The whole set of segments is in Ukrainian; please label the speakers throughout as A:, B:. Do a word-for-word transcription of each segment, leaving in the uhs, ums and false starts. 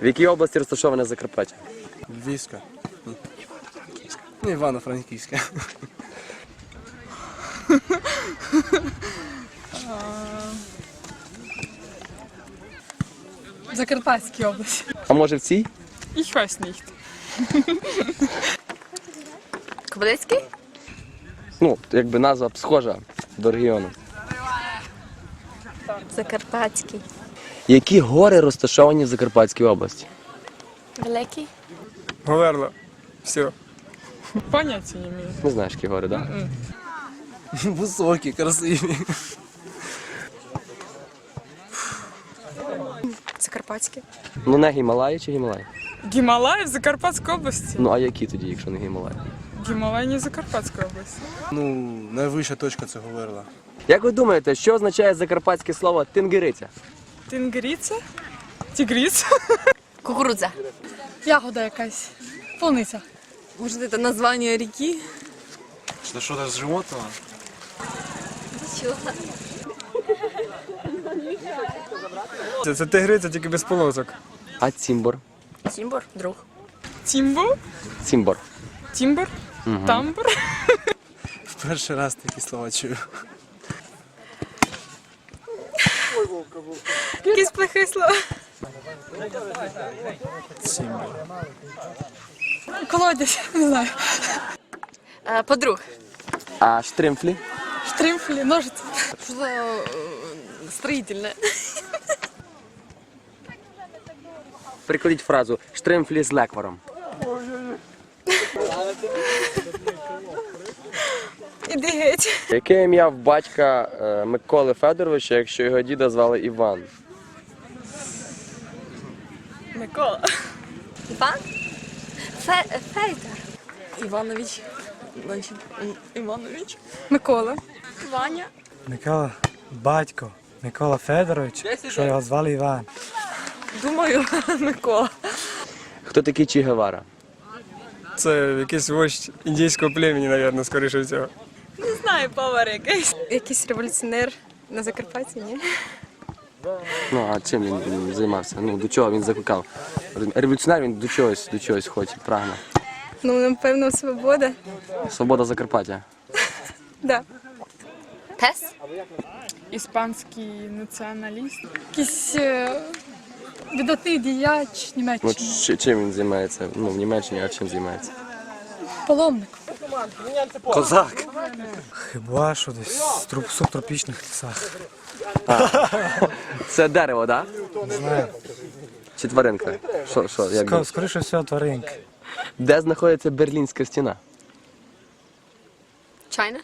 A: В якій області розташоване Закарпаття?
B: Львівська. Ну, Івано-Франківська.
C: В Закарпатській області.
A: А може в цій?
C: Ich weiß nicht.
D: Кобилецький?
A: Ну, якби назва б схожа до регіону.
D: Закарпатський.
A: Які гори розташовані в Закарпатській області?
D: Великий?
B: Говерло. Все.
C: Поняття не маю.
A: Не знаєш, які гори, так? Да?
B: Високі, красиві.
D: Закарпатський.
A: Ну не Гімалаї чи Гімалаї?
C: Гімалаї в Закарпатській області.
A: Ну а які тоді, якщо не Гімалаї?
C: Гімалаї не в Закарпатській області.
B: Ну, найвища точка це Говерла.
A: Як ви думаєте, що означає закарпатське слово тингириця?
C: Тингриця? Тігриця?
D: Кукурудза.
C: Ягода якась. Полуниця.
D: Может, это название реки?
B: Це що-то з животного?
D: Чего?
B: Це, це тигриця, тільки без полосок.
A: А цімбор?
D: Тимбур? Друг.
C: Тімбо?
A: Цімбор.
C: Тімбур? Тамбур?
B: В перший раз такі слова чую.
D: Якісь плохі слова.
C: Колодязь, не знаю.
D: Е, Подруг.
A: А штримфлі?
C: Штримфлі, ножиці.
D: Что-то э, строительное.
A: Прикладіть фразу штримфлі з лекваром.
D: Іди геть.
A: Яке ім'я в батька е, Миколи Федоровича, якщо його діда звали Іван?
D: Микола. Іван? Фе Федор. Іванович. Значить, Іванович.
C: Микола.
D: Ваня.
E: Микола, батько, Микола Федорович, що його звали Іван.
D: Думаю, Микола.
A: Хто такий Чі Гевара?
B: Це якийсь вождь індійського племені, мабуть, скоріше всього.
D: Не знаю, повар якийсь. Якийсь революціонер на Закарпатті, ні?
A: Ну, а чим він, він займався? Ну, до чого він закликав? Революціонер він до чогось, до чогось хоче, прагне.
D: Ну, напевно, свобода.
A: Свобода Закарпаття.
D: Да. Тес?
C: Іспанський націоналіст. Якийсь е, видатний діяч
A: Ну,
C: Німеччини.
A: чи- чим він займається? Ну, в Німеччині, а чим займається?
C: Паломник.
A: Козак!
E: Хіба що десь в труп- субтропічних лісах.
A: Це дерево, так?
E: Не знаю.
A: Чи тваринка? Що, що, як
E: Ска-
A: би?
E: Скоріше всього тваринки.
A: Де знаходиться Берлінська стіна?
D: Чайна?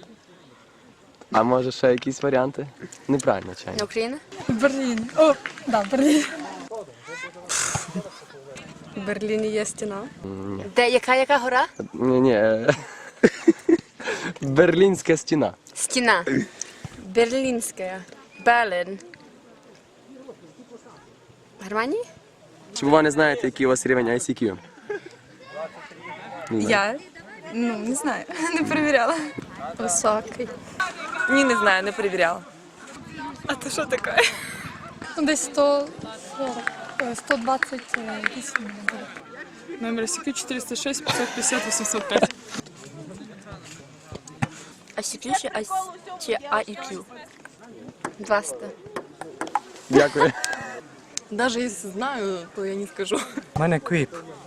A: А може ще якісь варіанти? Неправильно, чайно.
D: Україна?
C: В Берліні. О, да, Берлін.
D: В Берліні є стіна. Де, яка, яка гора?
A: Ні, ні. е, Берлінська стіна.
D: Стіна. Берлінська. Берлін. Германії?
A: Чи ви не знаєте, який у вас рівень ай сі кю?
D: Я? Ну, не знаю. Не перевіряла. Високий. Ні, не знаю, не перевіряла. А то що таке?
C: Ну, десь сто сорок, е, сто двадцять вісім. буде. Номер Сі Кью чотириста шість п'ятсот п'ятдесят вісімсот п'ять.
D: А Сі Кью чи А- чи А І Кью? двадцять.
A: Дякую.
D: Даже если знаю, то я не скажу.
E: У мене квіп.